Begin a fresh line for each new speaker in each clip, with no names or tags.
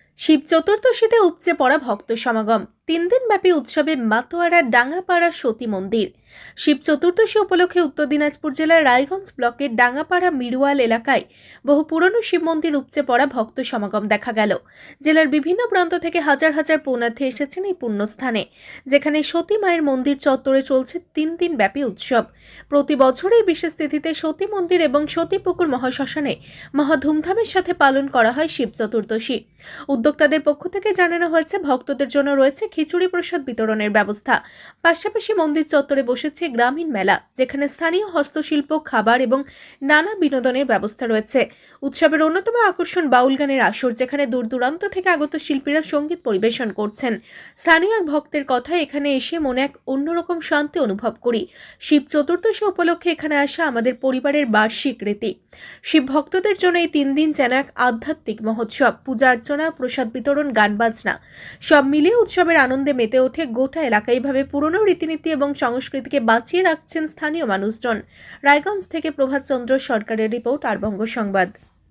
শিব চতুর্দশীতে উপচে পড়া ভক্ত সমাগম। 3 দিনব্যাপী উৎসবে মাতোয়ারা ডাঙ্গাপাড়া সতী মন্দির। শিব চতুর্দশী উপলক্ষে উত্তর দিনাজপুর জেলার রায়গঞ্জ ব্লকের ডাঙ্গাপাড়া মিরওয়াল এলাকায় বহু পুরনো শিব মন্দির উপচে পড়া ভক্ত সমাগম দেখা গেল। জেলার বিভিন্ন প্রান্ত থেকে হাজার হাজার পুণ্যার্থী এসেছেন এই পুণ্যস্থানে, যেখানে সতী মায়ের মন্দির চত্বরে চলছে 3 দিনব্যাপী উৎসব। প্রতি বছর এই বিশেষ তিথিতে সতী মন্দির এবং সতীপুকুর মহাশ্মশানে মহা ধুমধামের সাথে পালন করা হয় শিব চতুর্দশী। উদ্যোক্তাদের পক্ষ থেকে জানানো হয়েছে, ভক্তদের জন্য রয়েছে খিচুড়ি প্রসাদ বিতরণের ব্যবস্থা। পাশাপাশি মন্দির চত্বরে বসেছে গ্রামীণ মেলা, যেখানে স্থানীয় হস্তশিল্প, খাবার এবং নানা বিনোদনের ব্যবস্থা রয়েছে। উৎসবের অন্যতম আকর্ষণ বাউল গানের আসর, যেখানে দূর দূরান্ত থেকে আগত শিল্পীরা সঙ্গীত পরিবেশন করছেন। স্থানীয় এক ভক্তের কথায়, এখানে এসে মনে এক অন্যরকম শান্তি অনুভব করি। শিব চতুর্দশী উপলক্ষে এখানে আসা আমাদের পরিবারের বার্ষিক রীতি। শিব ভক্তদের জন্য এই 3 দিন যেন এক আধ্যাত্মিক মহোৎসব। পূজা অর্চনা, প্রসাদ বিতরণ, গান বাজনা সব মিলিয়ে উৎসবের আনন্দে মেতে ওঠে গোটা এলাকা। এইভাবে পুরনো রীতিনীতি এবং সংস্কৃতিকে বাঁচিয়ে রাখছেন স্থানীয় মানুষজন। রায়গঞ্জ থেকে প্রভাত চন্দ্র সরকারের রিপোর্ট, আর বঙ্গ সংবাদ।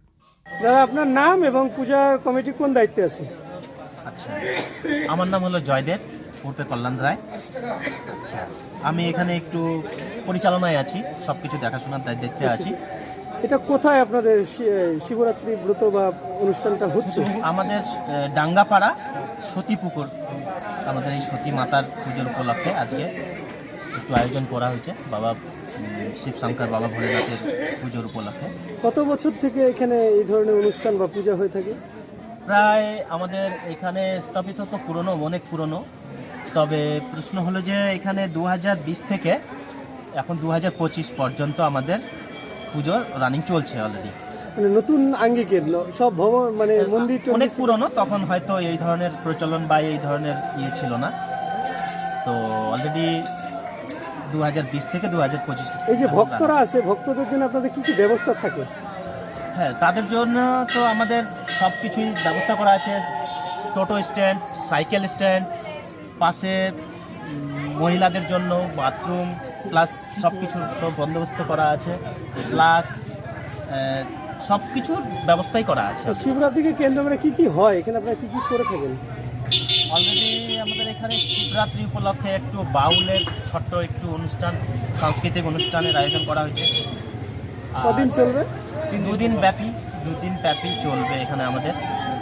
দাদা, আপনার নাম এবং পূজার কমিটি কোন দায়িত্বে আছে?
আচ্ছা, আমার নাম হলো জয়দেব উর্ফে কল্যাণ রায়। আচ্ছা, আমি এখানে একটু পরিচালনায় আছি, সব কিছু দেখাশোনার দায়িত্বে আছি।
এটা কোথায় আপনাদের শিবরাত্রি ব্রত বা অনুষ্ঠানটা হচ্ছে?
আমাদের ডাঙ্গাপাড়া সতীপুকুর, আমাদের এই সতী মাতার পুজোর উপলক্ষে আজকে একটু আয়োজন করা হয়েছে বাবা শিবশঙ্কর বাবা ভোলেনাথের পুজোর উপলক্ষে।
কত বছর থেকে এখানে এই ধরনের অনুষ্ঠান বা পূজা হয়ে থাকে?
প্রায় আমাদের এখানে স্থাপিত তো পুরনো, অনেক পুরনো। তবে প্রশ্ন হলো যে এখানে 2020 থেকে এখন 2025 পর্যন্ত আমাদের পুজো রানিং চলছে অলরেডি।
মানে নতুন আঙ্গিকের সব ভবন, মানে মন্দির
অনেক পুরনো, তখন হয়তো এই ধরনের প্রচলন বা এই ধরনের ছিল না। তো অলরেডি 2020 থেকে 2025।
এই যে ভক্তরা আছে, ভক্তদের জন্য আপনাদের কি কি ব্যবস্থা থাকে?
হ্যাঁ, তাদের জন্য তো আমাদের সব কিছুই ব্যবস্থা করা আছে। টোটো স্ট্যান্ড, সাইকেল স্ট্যান্ড, পাশে মহিলাদের জন্য বাথরুম, প্লাস সব কিছুর সব বন্দোবস্ত করা আছে, প্লাস সব কিছুর ব্যবস্থাই করা আছে।
শিবরাত্রিকে কেন্দ্র করে কি কি হয় এখানে, আপনারা কি কি করে থাকেন?
অলরেডি আমাদের এখানে শিবরাত্রি উপলক্ষে একটু বাউলের ছোট্ট একটু অনুষ্ঠান, সাংস্কৃতিক অনুষ্ঠানের আয়োজন করা হয়েছে।
কদিন চলবে?
2 দিন ব্যাপী চলবে এখানে আমাদের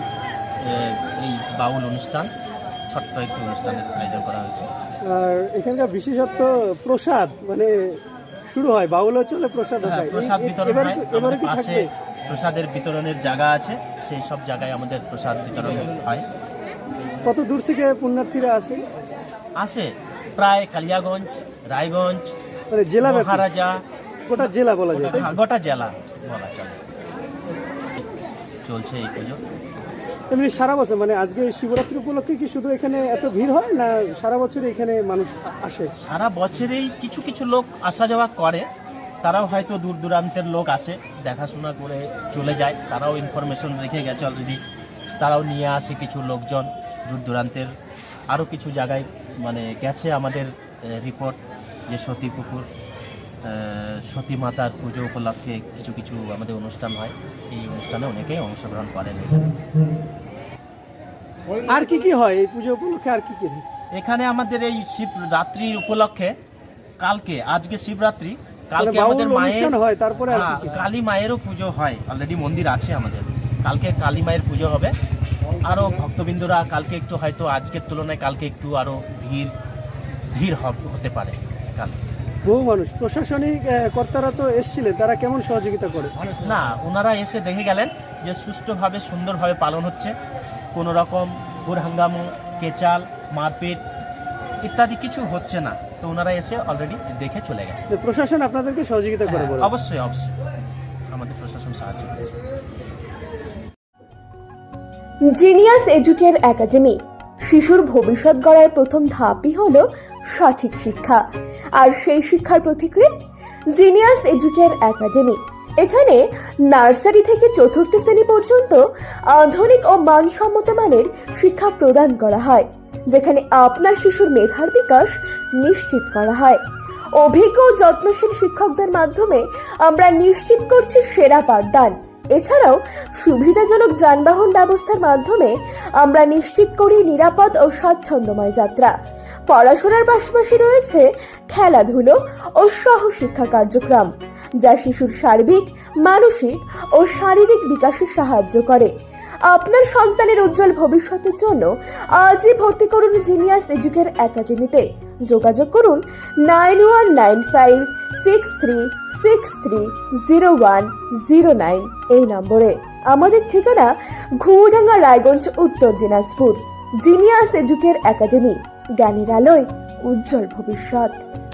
এই বাউল অনুষ্ঠান, ছোট্ট একটু অনুষ্ঠানের আয়োজন করা হয়েছে।
আর এখানকার বিশেষত্ব প্রসাদ, মানে শুরু হয় বাউলও চলে, প্রসাদ হয়,
প্রসাদ বিতরণ হয়।
এবারে কি
পাশে
থাকবে?
প্রসাদের বিতরণের জায়গা আছে, সেই সব জায়গায় আমাদের প্রসাদ বিতরণ হয়।
কত দূর থেকে পুণ্যার্থীরা
আসে প্রায় কালিয়াগঞ্জ, রায়গঞ্জ,
মানে জেলা ব্যাপী?
মহারাজা,
গোটা জেলা বলা যায়?
গোটা জেলা বলা চলে। চলছে এই পুজো।
এমনি সারা বছর, মানে আজকে শিবরাত্রি উপলক্ষে কি শুধু এখানে এত ভিড় হয়, না সারা বছর এখানে মানুষ আসে?
সারা বছরেই কিছু কিছু লোক আসা যাওয়া করে, তারাও হয়তো দূর দূরান্তের লোক আসে, দেখাশোনা করে চলে যায়। তারাও ইনফরমেশন রেখে গেছে অলরেডি, তারাও নিয়ে আসে কিছু লোকজন দূর দূরান্তের। আরও কিছু জায়গায় মানে গেছে আমাদের রিপোর্ট যে সতীপুকুর সতী মাতার পুজো উপলক্ষে কিছু কিছু আমাদের অনুষ্ঠান হয়। এই অনুষ্ঠানে অনেকেই অংশগ্রহণ করেন।
আর কি কি হয় এই পুজো উপলক্ষে? আর কি কি হয়
এখানে আমাদের এই শিবরাত্রির উপলক্ষে কালকে, আজকে শিবরাত্রি, কালকে আমাদের মায়ের
হয়, তারপরে আর কি কি?
কালী মায়েরও পুজো হয়। অলরেডি মন্দির আছে আমাদের, কালকে কালী মায়ের পুজো হবে। আরও ভক্তবৃন্দরা কালকে একটু হয়তো আজকের তুলনায় কালকে একটু আরও ভিড় হতে পারে কালকে।
বহু মানুষ, প্রশাসনিক কর্তারা তো এসেছিলেন, তারা কেমন সহযোগিতা করে?
না, ওনারা এসে দেখে গেলেন যে সুষ্ঠুভাবে সুন্দরভাবে পালন হচ্ছে, কোনো রকম হুড়হাঙ্গামো, কেচাল, মারপিট ইত্যাদি কিছু হচ্ছে না। তো ওনারা এসে অলরেডি দেখে চলে গেছে।
প্রশাসন আপনাদেরকে সহযোগিতা করে? বলে
অবশ্যই আমাদের প্রশাসন সাহায্য করেছে।
জিনিয়াস এডুকের একাডেমি শিশুর ভবিষ্যৎ গড়ার প্রথম ধাপই হলো সঠিক শিক্ষা, আর সেই শিক্ষার প্রতিক্রিয়া জিনিয়াস এডুকের একাডেমি। এখানে নার্সারি থেকে 4র্থ শ্রেণী পর্যন্ত আধুনিক ও মানসম্মত মানের শিক্ষা প্রদান করা হয়, যেখানে আপনার শিশুর মেধার বিকাশ নিশ্চিত করা হয়। অভিজ্ঞ ও যত্নশীল শিক্ষকদের মাধ্যমে আমরা নিশ্চিত করছি সেরা পাঠদান। এছাড়াও সুবিধাজনক যানবাহন ব্যবস্থার মাধ্যমে আমরা নিশ্চিত করি নিরাপদ ও স্বাচ্ছন্দ্যময় যাত্রা। পড়াশোনার পাশাপাশি রয়েছে খেলাধুলো ও সহশিক্ষা কার্যক্রম, যা শিশুর সার্বিক, মানসিক ও শারীরিক বিকাশে সাহায্য করে। আপনার সন্তানের উজ্জ্বল ভবিষ্যতের জন্য আজই ভর্তি করুন জিনিয়াস এডুকের একাডেমিতে। যোগাযোগ করুন 919563630109 এই নম্বরে। আমাদের ঠিকানা ঘুরডাঙ্গা, রায়গঞ্জ, উত্তর দিনাজপুর। জিনিয়াস এডুকের একাডেমি, জ্ঞানের আলোয় উজ্জ্বল ভবিষ্যৎ।